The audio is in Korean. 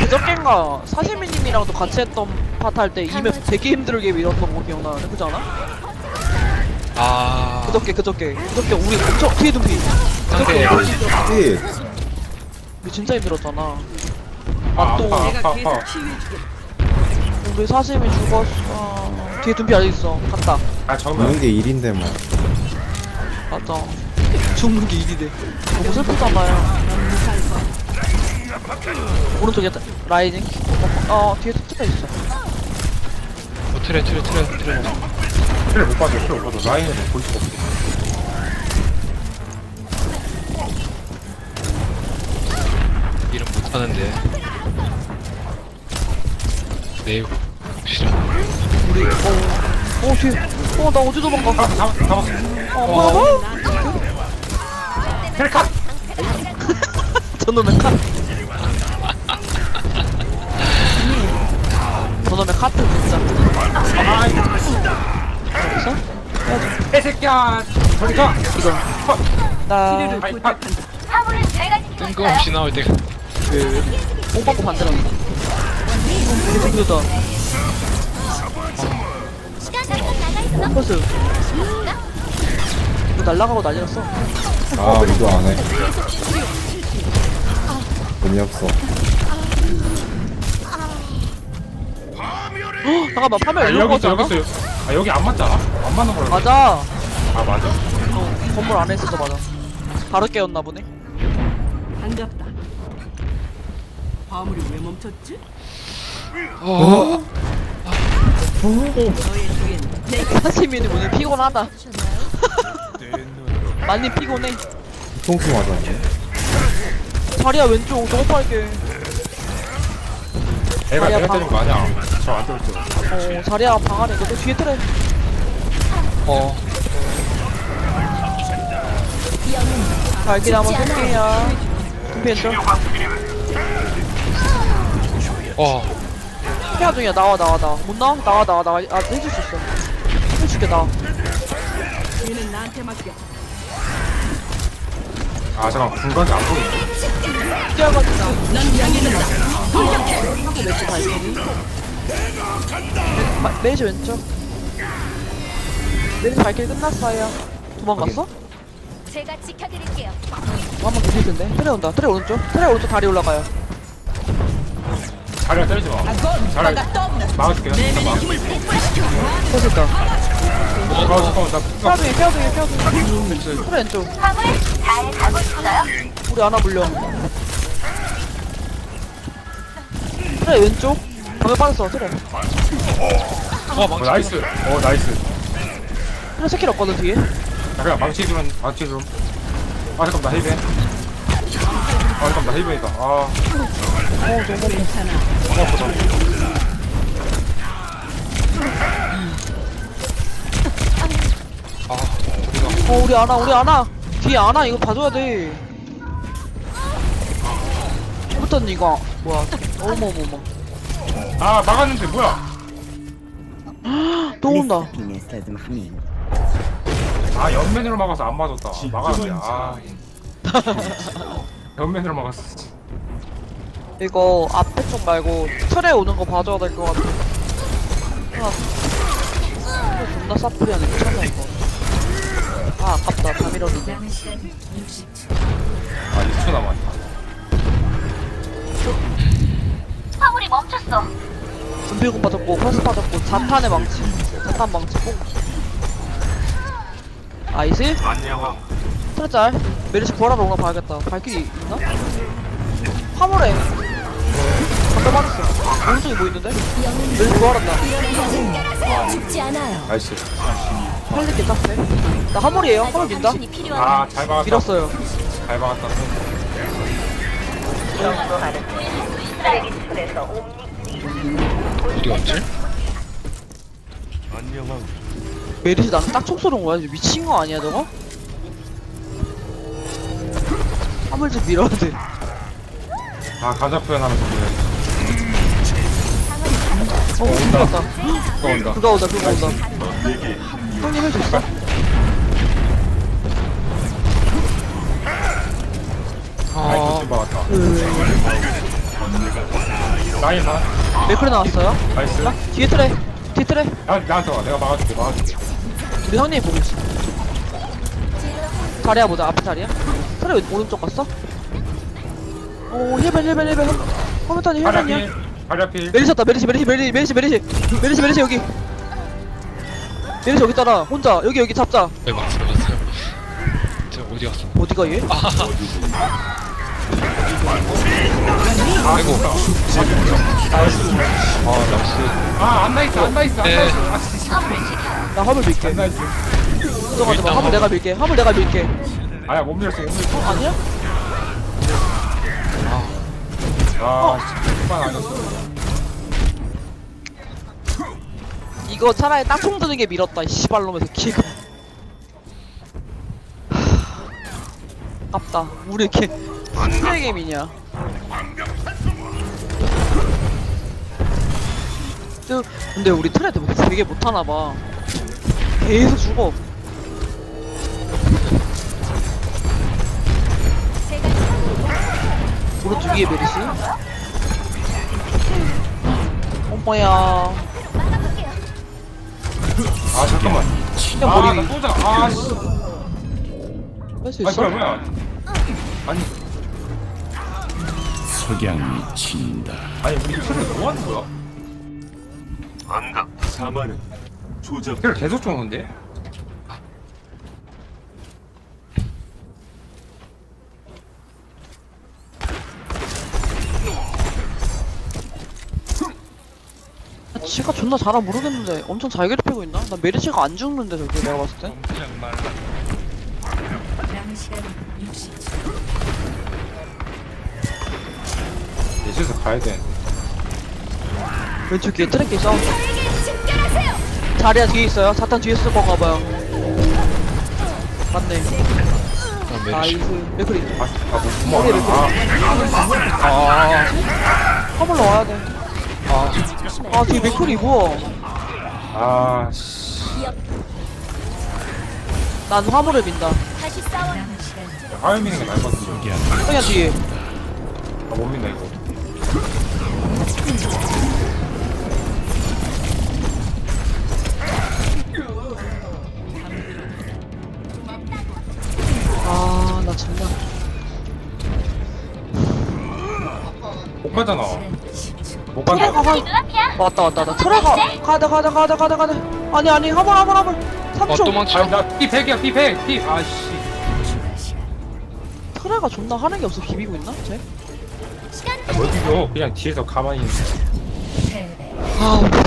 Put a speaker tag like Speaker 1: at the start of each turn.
Speaker 1: 그저껜가 사시미님이랑도 같이 했던 파트 할 때 이맵 되게 힘들게 밀었던 거 기억나는데 그지 않아?
Speaker 2: 아
Speaker 1: 그저께 우리 엄청 뒤에 둔피
Speaker 2: 상대
Speaker 3: 예.
Speaker 1: 우리 진짜 힘들었잖아.
Speaker 4: 아,
Speaker 1: 아 또
Speaker 4: 아파.
Speaker 1: 우리 사시미 죽었어. 뒤에 둔피 아직 있어. 갔다.
Speaker 4: 아, 정말.
Speaker 3: 죽는 게 일인데 뭐.
Speaker 1: 맞아. 죽는 게 일이래. 너무 슬프잖아요. 오른쪽에 라이징. 뒤에 트레 있어.
Speaker 2: 트레
Speaker 4: 틀을 못 봐줘, 틀을 못 봐줘. 라인을 볼 수가 없어.
Speaker 2: 이름 못하는데 네이버 싫어.
Speaker 1: 우리 뒤에. 나 어디 도망가?
Speaker 4: 잡았어.
Speaker 1: 뭐야?
Speaker 4: 틀 컷!
Speaker 1: 저놈의 카. 저놈의 카트 진짜.
Speaker 4: 아,
Speaker 1: 있어?
Speaker 4: 개새끼야! 저리 가!
Speaker 1: 이거. 나
Speaker 4: 파이, 파이.
Speaker 2: 뜬금없이 나올 때가
Speaker 1: 뽕 받고 반대로. 그거다. 버스. 이거 날라가고 난리 났어.
Speaker 3: 아, 이거 안 해. 재미없어.
Speaker 1: 잠깐만 파멸
Speaker 4: 아,
Speaker 1: 이런
Speaker 4: 여기 있어,
Speaker 1: 거잖아.
Speaker 4: 여기 있어. 아, 여기 안 맞잖아. 안 맞는 거라.
Speaker 1: 맞아.
Speaker 4: 아, 맞아.
Speaker 1: 건물 안에 있어서 맞아. 바로 깨웠나 보네.
Speaker 5: 반갑다. 화물이 왜 멈췄지? 너의 뒤엔
Speaker 1: 사시미는 오늘 피곤하다. 많이 피곤해.
Speaker 3: 통수 맞았네.
Speaker 1: 자리야 왼쪽 너무 빨개.
Speaker 4: 애가
Speaker 1: 아니야,
Speaker 4: 내가 때린 거 아니야. 저안 때렸죠.
Speaker 1: 자리야 방 안에 있거든. 뒤에 트레. 발길 한번 쓸게요. 금피했죠? 피하 중이야. 나와. 못 나와? 나와. 아, 해줄 수 있어. 해줄게, 나와.
Speaker 5: 얘는 나한테 맡겨.
Speaker 4: 아, 잠깐. 중간에 안 보이네.
Speaker 1: 뛰어가지고.
Speaker 5: 넌 양해된다.
Speaker 1: 하고 왼쪽 발길이. 메이지 왼쪽. 메이지 발길이 끝났어요. 도망갔어?
Speaker 6: 제가 지켜드릴게요.
Speaker 1: 한번 더 텐데. 트레 온다. 트레 오른쪽 다리 올라가요.
Speaker 4: 자리가 때리지 마. 자리 막아줄게. 나 막아줄게.
Speaker 1: 됐다.
Speaker 4: 잠깐만, 나
Speaker 1: 피하 중에. 트레 왼쪽.
Speaker 6: 화물 잘 가고 있어요.
Speaker 1: 우리 하나 물려. 트레 왼쪽. 방에 빠졌어, 트레.
Speaker 4: 나이스. 나이스.
Speaker 1: 트레 스킬 없거든, 뒤에.
Speaker 4: 자, 그냥 망치 좀. 아, 잠깐만, 나 힐벤. 잠깐만, 나 힐벤이다. 아,
Speaker 1: 너무
Speaker 5: 괜찮아.
Speaker 4: 너무 아프다.
Speaker 1: 우리 아나. 뒤에 아나 이거 봐줘야 돼. 붙었니 이거. 뭐야. 어머머머.
Speaker 4: 아, 막았는데, 뭐야?
Speaker 1: 또 온다.
Speaker 4: 아, 옆면으로 막아서 안 맞았다. 막았는데, 아. 옆면으로 막았어.
Speaker 1: 이거 앞에 쪽 말고 틀에 오는 거 봐줘야 될 것 같아. 존나 사프리하네. 미쳤나 이거. 아 아깝다. 다 밀어주네.
Speaker 4: 아, 2초 남았다.
Speaker 6: 화물이 멈췄어.
Speaker 1: 준비공 빠졌고 퍼스 빠졌고 자탄의 망치. 자탄 망치 뽕. 아이스? 트레짤. 메리시 구하러 오나 봐야겠다. 발길이 있나? 화물에. 잠깐 맞았어. 오른쪽에 뭐 있는데? 메리시 구하란다.
Speaker 6: 죽지 않아요.
Speaker 4: 나이스.
Speaker 1: 헬리 개딱해. 나 화물이에요. 화물 민다.
Speaker 6: 당신이 필요한
Speaker 4: 아, 잘 막았다.
Speaker 1: 밀었어요.
Speaker 4: 잘 막았다.
Speaker 2: 어디 갔지?
Speaker 1: 메리시 나는 딱 총 쏘는 거야. 미친 거 아니야 저거? 화물 좀 밀어야 돼.
Speaker 4: 아, 감자 표현하면서 그래.
Speaker 1: 온다.
Speaker 4: 또 온다.
Speaker 1: 그거 온다. 형님 할 수 있어?
Speaker 4: 아이고, 좀 막았다. 라인 봐.
Speaker 1: 맥크리 나왔어요.
Speaker 4: 나이스.
Speaker 1: 뒤에 트레. 뒤에 트레.
Speaker 4: 나한테 와. 내가 막아줄게.
Speaker 1: 우리 형님 보고 있어. 자리야 보자. 앞에 자리야. 트레 오른쪽 갔어? 오 힐벨. 커멘터니 힐벨이야.
Speaker 4: 가랴필.
Speaker 1: 메리셨다. 메리시 여기. 메리시 여기 있잖아. 혼자 여기 잡자.
Speaker 2: 네, 맞어요. 저 어디 갔어?
Speaker 1: 어디가 얘?
Speaker 2: 아이고. 낚시.
Speaker 4: 안 나이스.
Speaker 2: 네.
Speaker 1: 나 화물 밀게.
Speaker 4: 나이스.
Speaker 1: 걱정하지 마. 화물 내가 밀게.
Speaker 4: 아야 못 밀었어.
Speaker 1: 아니야?
Speaker 4: 씨발 아니었어.
Speaker 1: 이거 차라리 딱총 드는 게 밀었다. 이 씨발놈에서 기금. 아깝다. 우리 이렇게 쓰레기 미냐. 근데 우리 트레드 되게 못하나봐. 계속 죽어. 오른쪽 위에 메리시. 어머야.
Speaker 4: 잠깐만.
Speaker 1: 그냥 머리 위.
Speaker 4: 나 쏘자. 씨.
Speaker 1: 할 수
Speaker 4: 아
Speaker 1: 있어?
Speaker 4: 뭐야. 아니
Speaker 7: 석양이 친다.
Speaker 4: 우리 트를 뭐 하는 거야?
Speaker 7: 사마는 조작.
Speaker 4: 트를 계속 쏘는데?
Speaker 1: 지가 존나 잘하 모르겠는데 엄청 잘 괴롭히고 있나? 난 메리치가 안 죽는데 저게 내가 봤을 때.
Speaker 2: 그냥 말.
Speaker 4: 예시에서 가야 돼.
Speaker 1: 왼쪽 뒤에 트랙기 싸운다. 자리야 뒤에 있어요. 사탄 뒤에 있을 건가 봐요. 맞네.
Speaker 2: 메르시.
Speaker 1: 나이스. 맥크리.
Speaker 4: 뭐
Speaker 1: 머리에 맥크리. 화물로 와야 돼. 뒤에 맥크리 뭐야?
Speaker 4: 씨.
Speaker 1: 난 화물을 민다.
Speaker 6: 다시 싸워.
Speaker 4: 화면 미는 게 나을 것 같은데.
Speaker 1: 그냥 뒤에.
Speaker 4: 못 민다 이거.
Speaker 1: 나 정말.
Speaker 4: 못 가잖아. 못
Speaker 1: 트레
Speaker 4: 간다.
Speaker 1: 가봐.
Speaker 6: 눈앞이야.
Speaker 1: 왔다. 트레가. 가자. 아니, 화물. 3초.
Speaker 2: 도망쳐.
Speaker 4: 나 P100이야 P100. 씨.
Speaker 1: 트레가 존나 하는 게 없어. 비비고 있나? 쟤?
Speaker 4: 뭘 비벼. 그냥 뒤에서 가만히 있는.
Speaker 1: 못